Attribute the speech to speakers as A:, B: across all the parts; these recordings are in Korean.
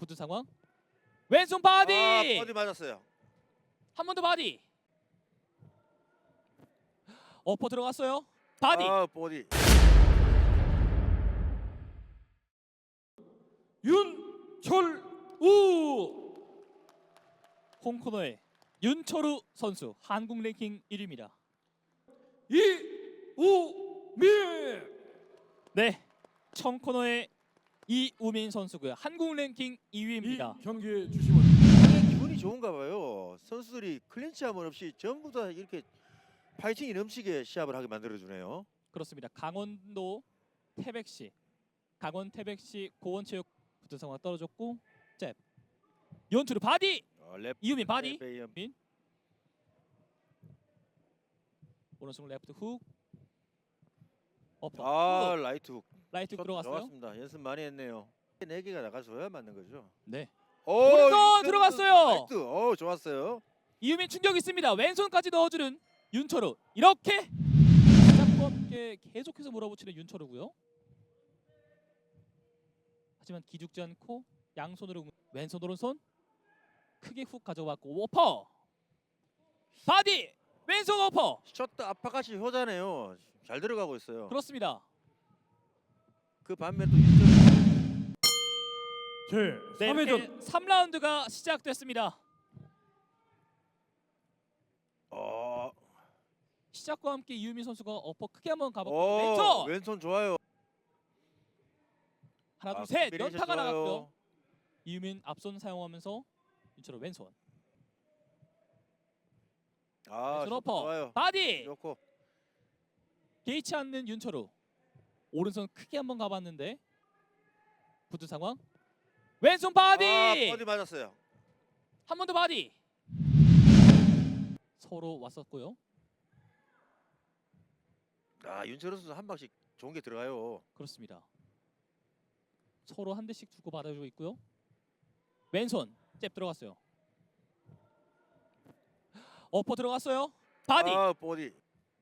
A: 붙은 상황. 왼손 바디.
B: 바디 맞았어요.
A: 한 번 더 바디. 어퍼 들어갔어요. 바디.
B: 바디.
A: 윤철우. 홈코너의 윤철우 선수 한국 랭킹 1위입니다. 이우민. 네, 청코너의 이우민 선수고요. 한국 랭킹 2위입니다.
C: 이 경기의 주심은
B: 굉장히 기분이 좋은가 봐요. 선수들이 클린치함은 없이 전부 다 이렇게 파이팅이 넘치게 시합을 하게 만들어주네요.
A: 그렇습니다. 강원도 태백시, 강원 태백시 고원체육 붙은 상황 떨어졌고, 잽. 연투르 바디.
B: 랩
A: 이우민 바디.
B: 베이엄.
A: 오른손 레프트 훅. 어퍼. 훅.
B: 라이트 훅.
A: 라이트 훅 들어갔어요.
B: 좋았습니다. 연습 많이 했네요. 4개가 나가줘야 맞는 거죠.
A: 네.
B: 오른손
A: 오른손 들어갔어요.
B: 라이트. 좋았어요.
A: 이우민 충격 있습니다. 왼손까지 넣어주는 윤철우. 이렇게 시작과 함께 계속해서 몰아붙이는 윤철우고요. 하지만 기죽지 않고 양손으로 왼손 오른손 크게 훅 가져왔고 오퍼. 바디. 왼손 오퍼.
B: 셔터 아파같이 효자네요. 잘 들어가고 있어요.
A: 그렇습니다.
B: 그 반면 또 윤철
C: 제
A: 네,
C: 3회전
A: 3라운드가 시작됐습니다. 시작과 함께 이우민 선수가 어퍼 크게 한번 가봤고 왼손.
B: 왼손 좋아요.
A: 하나 둘 셋
B: 콤비네이션
A: 연타가
B: 좋아요.
A: 나갔고요. 이우민 앞손 사용하면서 윤철우 왼손. 왼손
B: 셔터
A: 어퍼.
B: 좋아요.
A: 바디.
B: 좋고.
A: 개의치 않는 윤철우. 오른손 크게 한번 가봤는데 붙은 상황. 왼손 바디.
B: 바디 맞았어요.
A: 한 번 더 바디. 서로 왔었고요.
B: 윤철우 선수 한 방씩 좋은 게 들어가요.
A: 그렇습니다. 서로 한 대씩 주고 받아주고 있고요. 왼손 잽 들어갔어요. 어퍼 들어갔어요. 바디.
B: 바디.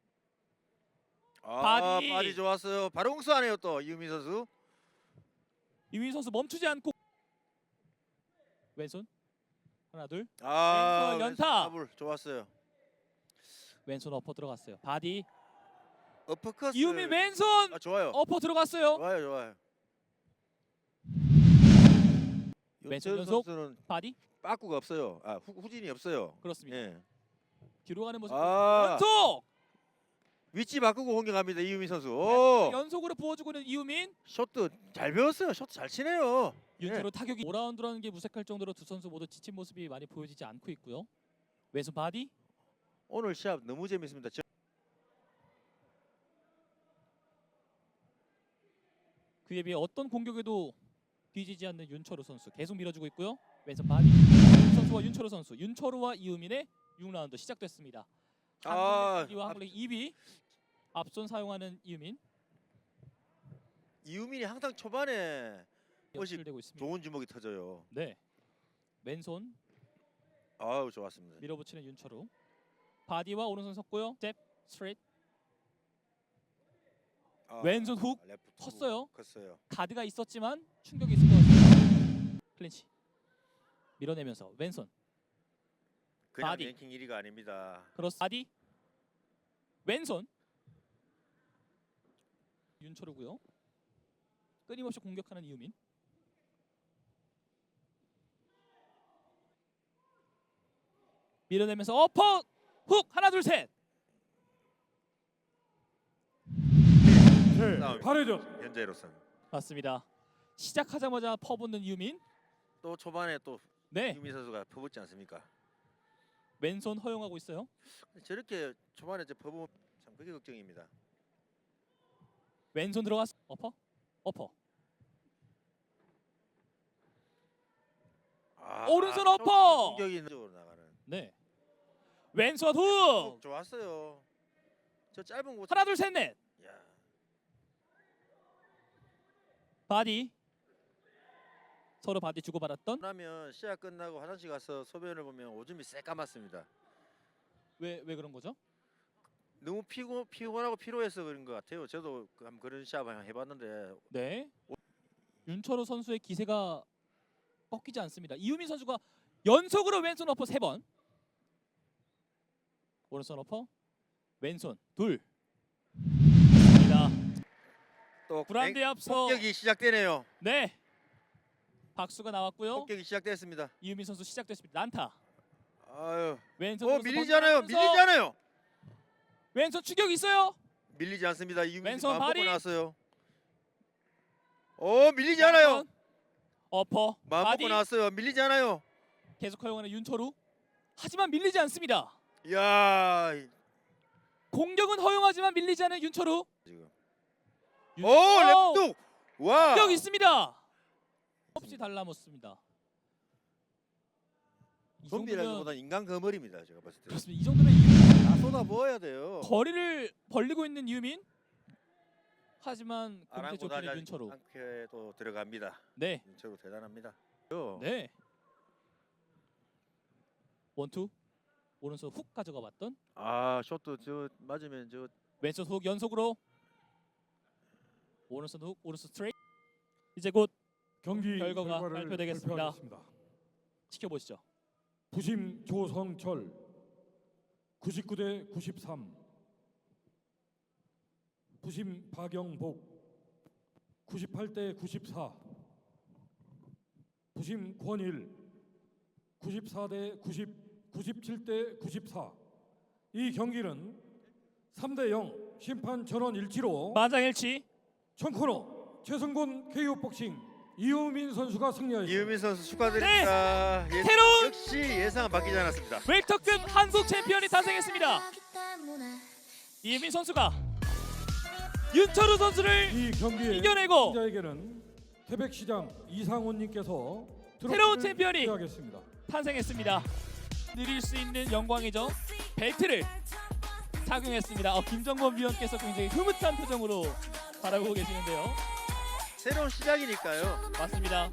A: 바디.
B: 바디 좋았어요. 바로 응수하네요 또 이우민 선수.
A: 이우민 선수 멈추지 않고 왼손 하나 둘.
B: 왼손
A: 연타.
B: 더블 좋았어요.
A: 왼손 어퍼 들어갔어요. 바디.
B: 어퍼컷.
A: 이우민 왼손
B: 좋아요.
A: 어퍼 들어갔어요.
B: 좋아요.
A: 왼손
B: 윤철우
A: 연속.
B: 선수는
A: 바디.
B: 빠꾸가 없어요. 후진이 없어요.
A: 그렇습니다.
B: 예.
A: 뒤로 가는 모습.
B: 아.
A: 연속.
B: 위치 바꾸고 공격합니다 이우민 선수.
A: 연속으로 부어주고는 이우민.
B: 셔터 잘 배웠어요. 셔터 잘 치네요.
A: 윤철우 타격이 5라운드라는 게 무색할 정도로 두 선수 모두 지친 모습이 많이 보여지지 않고 있고요. 왼손 바디.
B: 오늘 시합 너무 재밌습니다.
A: 그에 비해 어떤 공격에도 뒤지지 않는 윤철우 선수 계속 밀어주고 있고요. 왼손 바디. 선수와 윤철우 선수. 윤철우와 이우민의 6라운드 시작됐습니다. 한국 1위와 한국 2위. 앞손 사용하는 이우민.
B: 이우민이 항상 초반에
A: 연출되고 있습니다.
B: 좋은 주먹이 터져요.
A: 네. 왼손
B: 좋았습니다.
A: 밀어붙이는 윤철우. 바디와 오른손 섰고요. 잽 스트레이트. 왼손 훅
B: 레프트
A: 컸어요.
B: 컸어요.
A: 가드가 있었지만 충격이 있을 것 같습니다. 클린치. 밀어내면서 왼손.
B: 그냥
A: 바디.
B: 랭킹 1위가 아닙니다.
A: 크로스 바디. 왼손. 윤철우고요. 끊임없이 공격하는 이우민. 밀어내면서 어퍼 훅 하나 둘 셋.
C: 제
B: 싸움이.
C: 8회전
B: 현재로서는
A: 맞습니다. 시작하자마자 퍼붓는 이우민.
B: 또 초반에 또
A: 네.
B: 이우민 선수가 퍼붓지 않습니까?
A: 왼손 허용하고 있어요.
B: 저렇게 초반에 퍼붓 참 그게 걱정입니다.
A: 왼손 들어갔어. 어퍼. 오른손 어퍼!
B: 공격이 있는 쪽으로 나가는.
A: 네. 왼손 훅.
B: 좋았어요. 저 짧은 곳.
A: 하나 둘 셋 넷.
B: 야.
A: 바디. 서로 바디 주고받았던.
B: 그러면 시합 끝나고 화장실 가서 소변을 보면 오줌이 새까맣습니다.
A: 왜 그런 거죠?
B: 너무 피곤하고 피로해서 그런 것 같아요. 저도 한번 그런 시합 해봤는데
A: 네. 윤철우 선수의 기세가 꺾이지 않습니다. 이유민 선수가 연속으로 왼손 어퍼 3번. 오른손 어퍼 왼손 둘. 입니다.
B: 또
A: 불안대 앞서
B: 공격이 시작되네요.
A: 네. 박수가 나왔고요.
B: 공격이 시작됐습니다.
A: 이유민 선수 시작됐습니다. 난타.
B: 아유.
A: 왼손
B: 밀리잖아요. 밀리잖아요.
A: 왼손 추격 있어요.
B: 밀리지 않습니다. 이유민
A: 왼손
B: 마음
A: 발이.
B: 먹고 나왔어요. 밀리지 않아요.
A: 어퍼
B: 마음
A: 바디
B: 먹고 나왔어요. 밀리지 않아요.
A: 계속 허용하는 윤철우. 하지만 밀리지 않습니다.
B: 이야.
A: 공격은 허용하지만 밀리지 않은 윤철우.
B: 지금.
A: 윤철우.
B: 랩뚝. 와.
A: 공격 있습니다. 없이 달라붙습니다. 이 정도면
B: 좀비라기보다 인간 거머리입니다. 제가 봤을 때.
A: 그렇습니다. 이 정도면 이유민
B: 다 쏟아 부어야 돼요.
A: 거리를 벌리고 있는 이유민. 하지만 공태
B: 아랑곳하지
A: 좁히는 윤철우.
B: 않게도 들어갑니다.
A: 네.
B: 윤철우 대단합니다.
A: 네. 원투 오른손 훅 가져가 봤던
B: 숏도 저 맞으면 저
A: 왼손 훅 연속으로 오른손 훅 오른손 스트레이트. 이제 곧
C: 경기
A: 결과가
C: 결과를
A: 발표되겠습니다.
C: 발표하겠습니다.
A: 지켜보시죠.
C: 부심 조성철 99대 93, 부심 박영복 98대 94, 부심 권일 94대 90, 97대 94. 이 경기는 3대 0 심판 전원 일치로
A: 만장일치.
C: 청코너 최승곤 KO 복싱 이유민 선수가 승리하였습니다.
B: 이유민 선수 축하드립니다.
A: 새로운
B: 역시 예상은 바뀌지 않았습니다.
A: 웰터급 한국 챔피언이 탄생했습니다. 이유민 선수가 윤철우 선수를
C: 이 경기에
A: 이겨내고
C: 승자에게는 태백시장 이상훈님께서
A: 새로운 챔피언이
C: 하겠습니다.
A: 탄생했습니다. 누릴 수 있는 영광이죠. 벨트를 착용했습니다. 김정범 위원께서 굉장히 흐뭇한 표정으로 바라보고 계시는데요.
B: 새로운 시작이니까요.
A: 맞습니다.